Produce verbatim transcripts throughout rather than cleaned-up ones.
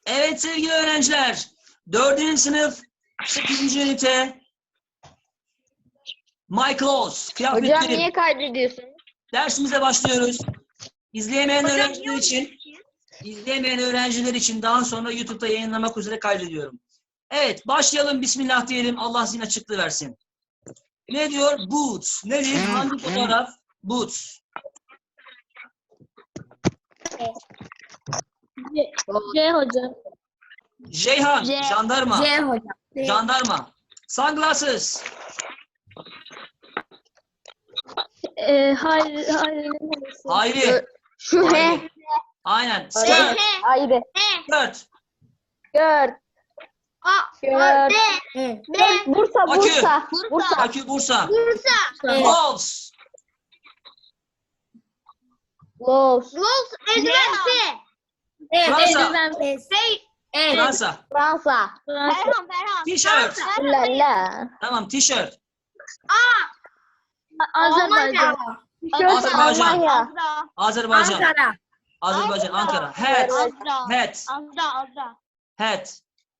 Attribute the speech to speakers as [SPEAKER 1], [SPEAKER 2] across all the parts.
[SPEAKER 1] Evet sevgili öğrenciler, dördüncü sınıf sekizinci ünite My Clothes,
[SPEAKER 2] Hocam
[SPEAKER 1] kıyafetlerim.
[SPEAKER 2] niye kaydediyorsun?
[SPEAKER 1] Dersimize başlıyoruz. İzleyemeyen
[SPEAKER 3] Hocam,
[SPEAKER 1] öğrenciler
[SPEAKER 3] niye
[SPEAKER 1] için, izleyemeyen öğrenciler için daha sonra YouTube'da yayınlamak üzere kaydediyorum. Evet, başlayalım. Bismillah diyelim. Allah zihin açıklığı versin. Ne diyor? Boots. Nedir? Hangi fotoğraf? Boots.
[SPEAKER 3] C hocam.
[SPEAKER 1] Ceyhan,
[SPEAKER 3] C.
[SPEAKER 1] jandarma.
[SPEAKER 3] C hocam.
[SPEAKER 1] Jandarma. Sunglasses.
[SPEAKER 3] Ee, hayır, hayır. neresi?
[SPEAKER 1] Hayri.
[SPEAKER 2] Şu he.
[SPEAKER 1] Hayri. Aynen.
[SPEAKER 2] Ayrı.
[SPEAKER 1] Skirt.
[SPEAKER 2] Ayrı.
[SPEAKER 1] Skirt.
[SPEAKER 2] Gör.
[SPEAKER 3] A.
[SPEAKER 2] Gör.
[SPEAKER 3] B. B.
[SPEAKER 2] Bursa,
[SPEAKER 1] Akü.
[SPEAKER 2] Bursa. Bursa.
[SPEAKER 1] Akü Bursa.
[SPEAKER 3] Bursa.
[SPEAKER 1] Gloves.
[SPEAKER 2] Los.
[SPEAKER 3] Los. Eldiven F. Evet,
[SPEAKER 1] Fransa.
[SPEAKER 3] eldiven F. Evet.
[SPEAKER 1] Fransa.
[SPEAKER 2] Fransa.
[SPEAKER 3] Ferhan, Ferhan.
[SPEAKER 1] T-shirt.
[SPEAKER 2] La la.
[SPEAKER 1] Tamam, t-shirt.
[SPEAKER 3] Azerbaycan.
[SPEAKER 1] Azerbaycan.
[SPEAKER 2] Almanya.
[SPEAKER 1] Azerbaycan.
[SPEAKER 3] Ankara.
[SPEAKER 1] Azerbaycan, Ankara. Hat.
[SPEAKER 3] Azra.
[SPEAKER 1] Hat.
[SPEAKER 3] Azra, Azra.
[SPEAKER 1] Hat.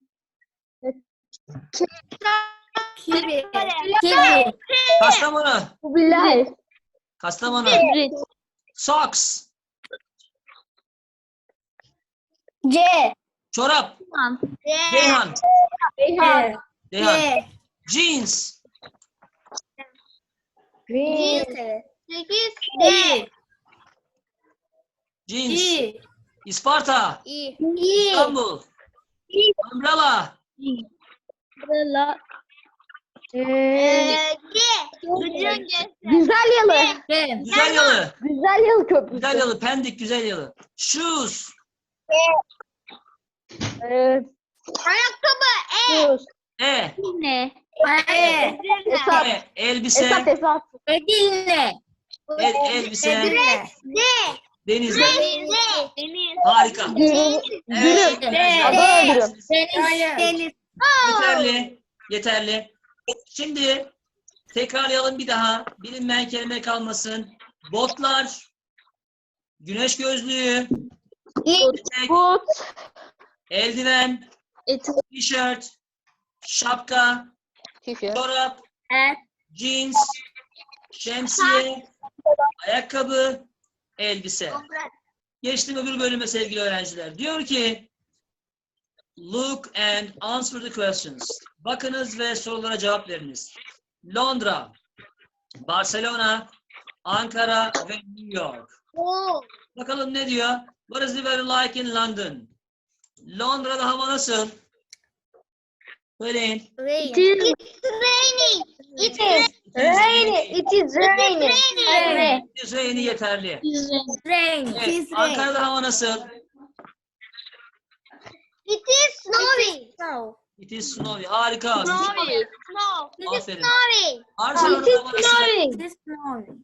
[SPEAKER 3] Kivi. Kivi.
[SPEAKER 1] Kastamonu.
[SPEAKER 2] Kubilay.
[SPEAKER 1] Kastamonu.
[SPEAKER 3] Kibrit.
[SPEAKER 1] Socks.
[SPEAKER 2] C.
[SPEAKER 1] Çorap.
[SPEAKER 3] Tamam.
[SPEAKER 1] Ceyhan.
[SPEAKER 2] Beyhan.
[SPEAKER 1] Ceyhan. Jeans.
[SPEAKER 2] Green.
[SPEAKER 3] Sekiz. D.
[SPEAKER 1] Jeans.
[SPEAKER 3] İ.
[SPEAKER 1] İsparta.
[SPEAKER 3] İ.
[SPEAKER 1] İstanbul. Umbrella.
[SPEAKER 3] Umbrella.
[SPEAKER 2] Ee,
[SPEAKER 3] G. Gıcırın G'si.
[SPEAKER 2] Güzel yalı.
[SPEAKER 3] G.
[SPEAKER 1] Güzel yalı.
[SPEAKER 2] Güzel yalı köprüsü.
[SPEAKER 1] Güzel yalı. Pendik güzel yalı. Shoes.
[SPEAKER 2] Ee,
[SPEAKER 3] Ayakkabı. E.
[SPEAKER 2] Sus.
[SPEAKER 1] E.
[SPEAKER 3] Ne? E.
[SPEAKER 2] Esat.
[SPEAKER 1] E. Elbise.
[SPEAKER 2] Esat Esat.
[SPEAKER 3] Edirne.
[SPEAKER 1] El, elbise.
[SPEAKER 3] Edirne. D.
[SPEAKER 1] Denizli.
[SPEAKER 3] Deniz. Deniz.
[SPEAKER 1] Harika.
[SPEAKER 2] Dürüm.
[SPEAKER 1] Evet.
[SPEAKER 2] Dürüm.
[SPEAKER 1] arkadaşlar.
[SPEAKER 2] Adana dürüm.
[SPEAKER 3] Deniz. Deniz.
[SPEAKER 1] Yeterli. Yeterli. Şimdi tekrarlayalım bir daha. Bilinmeyen kelime kalmasın. Botlar. Güneş gözlüğü. Etek,
[SPEAKER 2] But.
[SPEAKER 1] eldiven.
[SPEAKER 3] Etik.
[SPEAKER 1] Tişört. Şapka.
[SPEAKER 2] Tişört.
[SPEAKER 1] Çorap.
[SPEAKER 3] Et.
[SPEAKER 1] Jeans. Şemsiye. Ayakkabı. Elbise. Geçtim öbür bölüme sevgili öğrenciler. Diyor ki look and answer the questions. Bakınız ve sorulara cevap veriniz. Londra, Barcelona, Ankara ve New York.
[SPEAKER 3] O.
[SPEAKER 1] Bakalım ne diyor? What is the weather like in London? Londra'da hava nasıl? Söyleyin.
[SPEAKER 3] Rain. It is raining. It is
[SPEAKER 2] Rainy. It is raining.
[SPEAKER 3] raining.
[SPEAKER 1] Düzeyini yeterli.
[SPEAKER 3] It is rain.
[SPEAKER 1] Evet, Ankara'da hava nasıl?
[SPEAKER 3] It is snowing. Snow.
[SPEAKER 1] It is snowy. Harika.
[SPEAKER 3] Snowing. Snow. It is
[SPEAKER 1] Aferin.
[SPEAKER 3] snowing.
[SPEAKER 1] Barcelona'da hava nasıl?
[SPEAKER 3] It is snowing.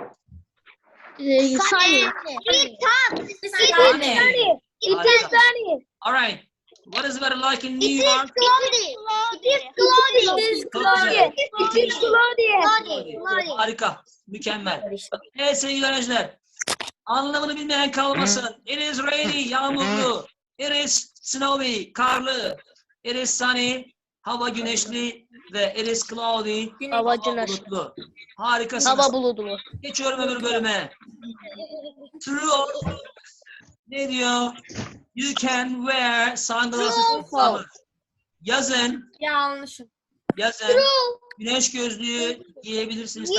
[SPEAKER 3] Sunny. It is hot. It is
[SPEAKER 1] Sunny.
[SPEAKER 3] It is
[SPEAKER 1] Harika.
[SPEAKER 3] sunny.
[SPEAKER 1] All right. What is the weather like in New
[SPEAKER 3] It is
[SPEAKER 1] York?
[SPEAKER 3] cloudy. It is cloudy. It is
[SPEAKER 1] Çok güzel.
[SPEAKER 3] It is cloudy. Cloudy.
[SPEAKER 1] Harika. Mükemmel. Evet sevgili öğrenciler. Anlamını bilmeyen kalmasın. It is rainy, yağmurlu. It is snowy, karlı. It is sunny, hava güneşli. Ve it is cloudy,
[SPEAKER 2] Hava
[SPEAKER 1] hava
[SPEAKER 2] güneşli.
[SPEAKER 1] bulutlu. Harikasınız.
[SPEAKER 2] Hava bulutlu.
[SPEAKER 1] Geçiyorum öbür bölüme. True. Ne diyor? You can wear sunglasses in summer. Yazın,
[SPEAKER 3] Yanlış.
[SPEAKER 1] yazın güneş gözlüğü giyebilirsiniz.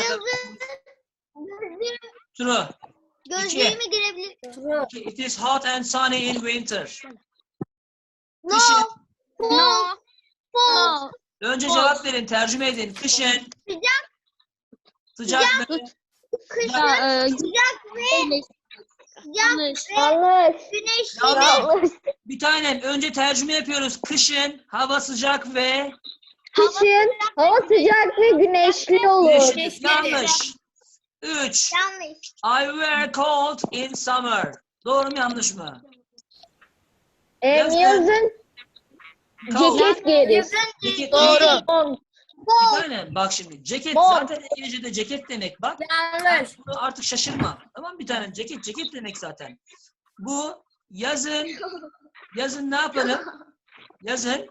[SPEAKER 1] True.
[SPEAKER 3] Gözlüğümü girebilir.
[SPEAKER 1] İki. It is hot and sunny in winter.
[SPEAKER 3] No.
[SPEAKER 1] Kışın.
[SPEAKER 3] No. No.
[SPEAKER 1] Önce cevap verin, tercüme edin. Kışın.
[SPEAKER 3] Sıcak.
[SPEAKER 1] Sıcak mı?
[SPEAKER 3] Kışın
[SPEAKER 2] Ha, e,
[SPEAKER 3] sıcak ve sıcak ve
[SPEAKER 2] Yanlış.
[SPEAKER 3] güneşli.
[SPEAKER 2] Yanlış.
[SPEAKER 1] Bir tanem, önce tercüme yapıyoruz. Kışın hava sıcak ve
[SPEAKER 2] Kışın hava sıcak ve güneşli olur.
[SPEAKER 1] güneşli. Yanlış. Üç.
[SPEAKER 3] Yanlış.
[SPEAKER 1] I wear coat in summer. Doğru mu yanlış mı?
[SPEAKER 2] Em,
[SPEAKER 1] Yazın.
[SPEAKER 2] yazın
[SPEAKER 1] Coat.
[SPEAKER 2] ceket giyeriz.
[SPEAKER 1] Ceket
[SPEAKER 2] Doğru.
[SPEAKER 1] değil. Bir tane bak şimdi. Ceket
[SPEAKER 2] Mont.
[SPEAKER 1] zaten İngilizce'de ceket demek. Bak.
[SPEAKER 3] Yanlış.
[SPEAKER 1] Bunu artık şaşırma. Tamam bir tane ceket ceket demek zaten. Bu yazın Yazın ne yapalım? Yazın.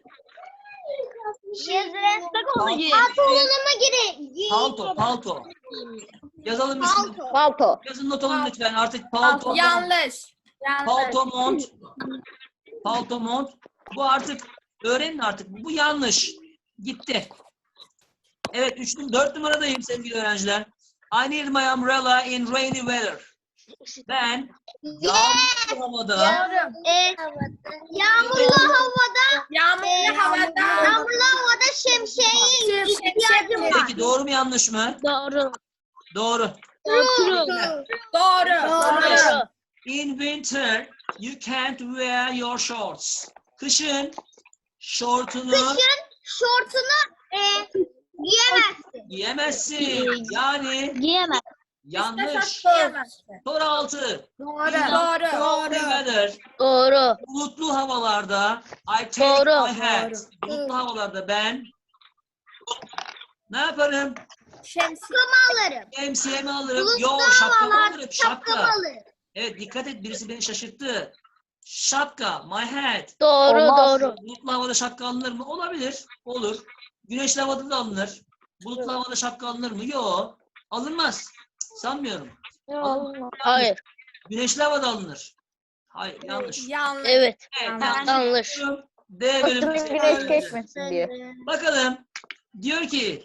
[SPEAKER 3] Yazın.
[SPEAKER 1] Palto.
[SPEAKER 3] Pantolonuma gire.
[SPEAKER 1] Palto, palto. Yazalım üstüne.
[SPEAKER 3] Palto.
[SPEAKER 2] Palto.
[SPEAKER 1] Yazın not alın lütfen. Artık palto,
[SPEAKER 4] Yanlış. Yanlış.
[SPEAKER 1] palto mont. Palto mont. Bu artık öğrenin artık. Bu yanlış. Gitti. Evet, üç, dört numaradayım sevgili öğrenciler. I need my umbrella in rainy weather. Ben yağmurlu havada
[SPEAKER 4] Doğru.
[SPEAKER 3] E, yağmurlu havada
[SPEAKER 4] Yağmurlu havada.
[SPEAKER 3] yağmurlu havada şemsiyeye ihtiyacım var.
[SPEAKER 1] Peki doğru mu yanlış mı?
[SPEAKER 3] Doğru.
[SPEAKER 1] Doğru.
[SPEAKER 3] Doğru.
[SPEAKER 4] Doğru.
[SPEAKER 3] Doğru.
[SPEAKER 1] In winter you can't wear your shorts. Kışın şortunu
[SPEAKER 3] Kışın şortunu e, giyemezsin.
[SPEAKER 1] giyemezsin. Yani
[SPEAKER 3] Giyemez.
[SPEAKER 1] yanlış.
[SPEAKER 4] Diyemezsin.
[SPEAKER 1] Soru altı.
[SPEAKER 4] Doğru. Doğru.
[SPEAKER 1] Cloudy weather.
[SPEAKER 2] Doğru.
[SPEAKER 1] Bulutlu havalarda I take
[SPEAKER 2] Doğru.
[SPEAKER 1] my hat. Bulutlu havalarda ben ne yaparım?
[SPEAKER 4] Şemsiye.
[SPEAKER 3] Alırım.
[SPEAKER 1] Şemsiyemi alırım.
[SPEAKER 3] Bulutlu
[SPEAKER 1] Yo şapkamı
[SPEAKER 3] havalar,
[SPEAKER 1] alırım.
[SPEAKER 3] şapkamı
[SPEAKER 1] Şapka.
[SPEAKER 3] alırım.
[SPEAKER 1] Evet dikkat et birisi beni şaşırttı. Şapka. My hat.
[SPEAKER 2] Doğru.
[SPEAKER 1] Olmaz.
[SPEAKER 2] Doğru.
[SPEAKER 1] Bulutlu havada şapka alınır mı? Olabilir. Olur. Güneşli havada da alınır. Bulutlu havada şapka alınır mı? Yok. Alınmaz. Sanmıyorum. Alınmaz.
[SPEAKER 2] Hayır.
[SPEAKER 1] Güneşli havada alınır. Hayır. Yanlış.
[SPEAKER 4] Yanlış.
[SPEAKER 2] Evet.
[SPEAKER 1] Evet,
[SPEAKER 4] Ben-
[SPEAKER 2] Yanlış.
[SPEAKER 1] D bölümü.
[SPEAKER 2] Batının güneş geçmesin diye.
[SPEAKER 1] Bakalım. Diyor ki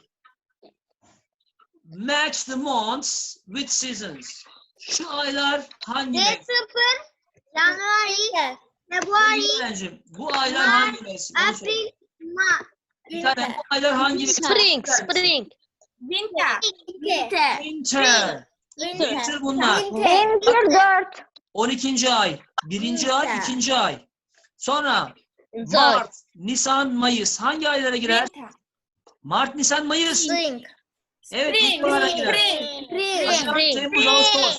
[SPEAKER 1] match the months with seasons. Şu aylar hangi
[SPEAKER 3] D
[SPEAKER 1] mevsim?
[SPEAKER 3] sıfır, January, February,
[SPEAKER 1] Öğrencim, bu aylar hangi mevsim? Onu söyle.
[SPEAKER 3] April, Mart.
[SPEAKER 1] Bir tane bu aylar hangi mevsim?
[SPEAKER 2] Spring. Spring.
[SPEAKER 4] Winter.
[SPEAKER 3] Winter.
[SPEAKER 1] Winter. Winter bunlar.
[SPEAKER 2] Winter dört.
[SPEAKER 1] on ikinci ay. Birinci ay, ikinci ay. Sonra
[SPEAKER 2] Winter.
[SPEAKER 1] Mart, Nisan, Mayıs. Hangi aylara girer?
[SPEAKER 4] Winter.
[SPEAKER 1] Mart, Nisan, Mayıs.
[SPEAKER 4] Spring.
[SPEAKER 1] Evet,
[SPEAKER 4] Spring.
[SPEAKER 1] bu aylara girer.
[SPEAKER 4] Spring.
[SPEAKER 1] Haziran,
[SPEAKER 2] Spring.
[SPEAKER 1] Temmuz, Ağustos.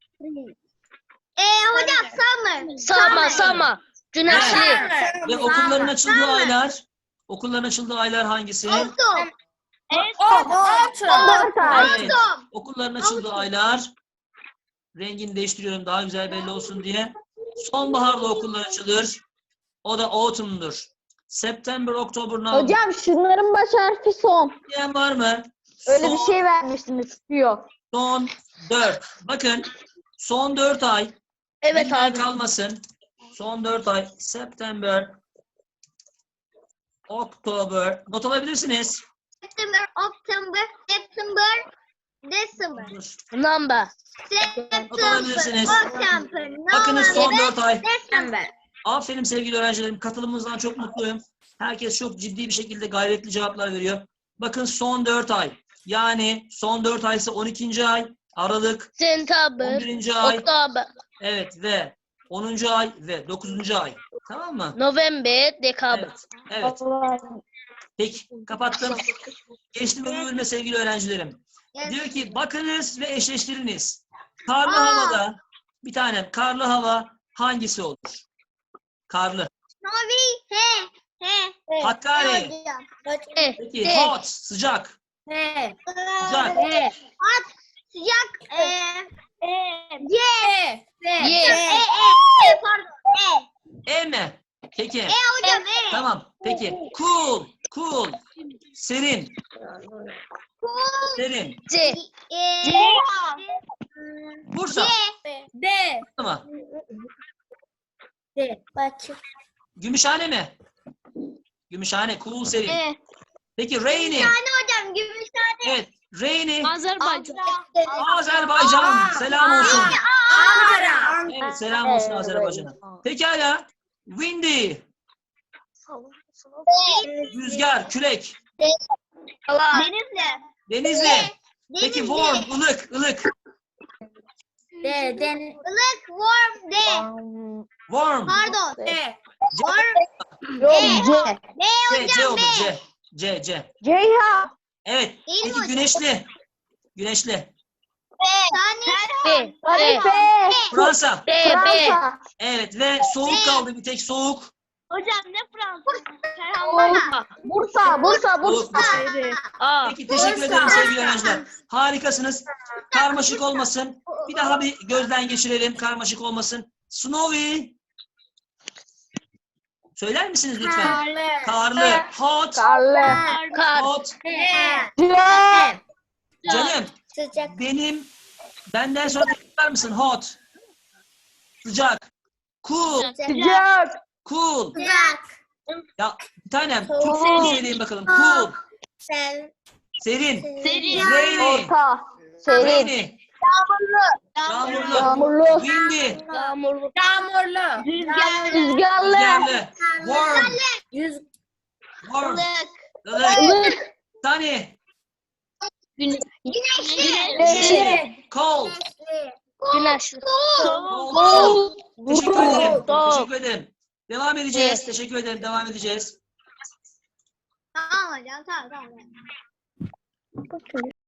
[SPEAKER 3] E hocam summer.
[SPEAKER 2] Sama. Sama. Güneşli.
[SPEAKER 1] Ve okulların açıldığı aylar. Okulların açıldığı aylar hangisi?
[SPEAKER 3] Autumn.
[SPEAKER 4] Autumn.
[SPEAKER 2] Dört ay.
[SPEAKER 1] Evet. Okulların açıldığı aylar. Rengini değiştiriyorum daha güzel belli olsun diye. Sonbaharda okullar açılır. O da autumn'dur. September, October, November.
[SPEAKER 2] Hocam şunların baş harfi son.
[SPEAKER 1] Diyen var mı?
[SPEAKER 2] Öyle
[SPEAKER 1] son,
[SPEAKER 2] bir şey vermiştiniz. Yok.
[SPEAKER 1] Son dört. Bakın son dört ay.
[SPEAKER 2] Evet
[SPEAKER 1] bilmeyen
[SPEAKER 2] abi.
[SPEAKER 1] kalmasın. Son dört ay. September, October. Not alabilirsiniz.
[SPEAKER 3] September, October, September, December.
[SPEAKER 2] Number.
[SPEAKER 3] September,
[SPEAKER 1] alabilirsiniz.
[SPEAKER 3] October,
[SPEAKER 1] Bakınız son
[SPEAKER 3] November,
[SPEAKER 1] dört ay.
[SPEAKER 3] December.
[SPEAKER 1] Aferin sevgili öğrencilerim. Katılımınızdan çok mutluyum. Herkes çok ciddi bir şekilde gayretli cevaplar veriyor. Bakın son dört ay. Yani son dört ay ise on ikinci ay. Aralık. on
[SPEAKER 2] September.
[SPEAKER 1] birinci ay.
[SPEAKER 2] Oktober.
[SPEAKER 1] Evet ve onuncu ay ve dokuzuncu ay. Tamam mı?
[SPEAKER 2] November. Dekabr.
[SPEAKER 1] Evet. Evet. Peki. Kapattım. Geçtim öbür bölüme sevgili öğrencilerim. Diyor ki bakınız ve eşleştiriniz. Karlı
[SPEAKER 3] Aa.
[SPEAKER 1] havada bir tanem karlı hava hangisi olur? Karlı.
[SPEAKER 3] Snowy, he, he.
[SPEAKER 1] Hakkari.
[SPEAKER 3] Hocam.
[SPEAKER 2] E.
[SPEAKER 1] Peki
[SPEAKER 2] E.
[SPEAKER 1] hot sıcak.
[SPEAKER 4] He.
[SPEAKER 1] Güzel.
[SPEAKER 2] E.
[SPEAKER 3] Sıcak, e, e, C,
[SPEAKER 4] E.
[SPEAKER 3] E,
[SPEAKER 2] Y.
[SPEAKER 3] E, E, E, pardon, E.
[SPEAKER 1] E mi? Peki.
[SPEAKER 3] E hocam, E.
[SPEAKER 1] Tamam. Peki. Cool. Cool. Serin.
[SPEAKER 3] Cool,
[SPEAKER 1] Serin.
[SPEAKER 2] C.
[SPEAKER 3] e,
[SPEAKER 2] C.
[SPEAKER 1] Bursa.
[SPEAKER 4] D.
[SPEAKER 1] Mı?
[SPEAKER 4] D.
[SPEAKER 1] Gümüşhane mi? Gümüşhane. Cool serin.
[SPEAKER 3] E.
[SPEAKER 1] Peki rainy.
[SPEAKER 3] Yani hocam, Gümüşhane.
[SPEAKER 1] Evet. Rainy.
[SPEAKER 3] Azerbaycan.
[SPEAKER 1] Azerbaycan. Selam olsun.
[SPEAKER 4] Ankara.
[SPEAKER 1] Evet. Selam olsun Azerbaycan'a. Pekala. Windy. Rüzgar. Kürek.
[SPEAKER 3] Denizli.
[SPEAKER 1] Denizli. Peki
[SPEAKER 3] Denizli.
[SPEAKER 1] warm. ılık, ılık.
[SPEAKER 4] D. Den.
[SPEAKER 3] Ilık, warm, D.
[SPEAKER 1] Warm.
[SPEAKER 3] Pardon.
[SPEAKER 4] D.
[SPEAKER 3] Warm,
[SPEAKER 2] Yok C.
[SPEAKER 3] B
[SPEAKER 1] C, C
[SPEAKER 3] hocam,
[SPEAKER 1] olur.
[SPEAKER 3] B.
[SPEAKER 1] C. C, C.
[SPEAKER 2] Ceyhan.
[SPEAKER 1] Evet.
[SPEAKER 3] Değil mi
[SPEAKER 1] Peki
[SPEAKER 3] hocam?
[SPEAKER 1] güneşli. Güneşli.
[SPEAKER 3] Tane.
[SPEAKER 2] B. B.
[SPEAKER 1] Fransa.
[SPEAKER 2] B. B.
[SPEAKER 1] Fransa. Evet ve soğuk kaldı bir tek soğuk.
[SPEAKER 3] Hocam ne Fransa?
[SPEAKER 2] Bursa. Bursa.
[SPEAKER 1] Soğuk.
[SPEAKER 2] Bursa. A.
[SPEAKER 1] Peki teşekkür ederim sevgili öğrenciler. Harikasınız. Karmaşık olmasın. Bir daha bir gözden geçirelim. Karmaşık olmasın. Snowy. Söyler misiniz lütfen?
[SPEAKER 4] Karlı.
[SPEAKER 1] Karlı. Hot.
[SPEAKER 2] Karlı.
[SPEAKER 1] Hot.
[SPEAKER 2] Sıcak.
[SPEAKER 1] Canım
[SPEAKER 4] Sıcak.
[SPEAKER 1] benim benden sonra tekrar mısın? Hot. Sıcak. Cool.
[SPEAKER 2] Sıcak.
[SPEAKER 1] Cool.
[SPEAKER 4] Sıcak.
[SPEAKER 1] Ya bir tanem
[SPEAKER 2] Soğuk.
[SPEAKER 1] Türkçe söyleyin bakalım. Cool.
[SPEAKER 4] Sev.
[SPEAKER 1] Serin.
[SPEAKER 4] Serin.
[SPEAKER 1] Rainy.
[SPEAKER 2] Orta. Serin.
[SPEAKER 1] Rainy. Yağmurlu.
[SPEAKER 2] Yağmurlu.
[SPEAKER 1] Windy.
[SPEAKER 2] Yağmurlu.
[SPEAKER 4] Yağmurlu.
[SPEAKER 2] Rüzgarlı.
[SPEAKER 1] Rüzgarlı. Warm.
[SPEAKER 4] Yüz.
[SPEAKER 1] Warm.
[SPEAKER 3] Ilık.
[SPEAKER 1] Ilık.
[SPEAKER 2] Ilık.
[SPEAKER 1] Sunny.
[SPEAKER 2] Güneşli.
[SPEAKER 1] Cold.
[SPEAKER 2] Güneşli.
[SPEAKER 1] Cold.
[SPEAKER 2] Soğuk.
[SPEAKER 1] Teşekkür ederim.
[SPEAKER 2] Soğuk.
[SPEAKER 1] Teşekkür ederim. Devam edeceğiz. Teşekkür ederim. Devam edeceğiz.
[SPEAKER 3] Tamam hocam tamam tamam.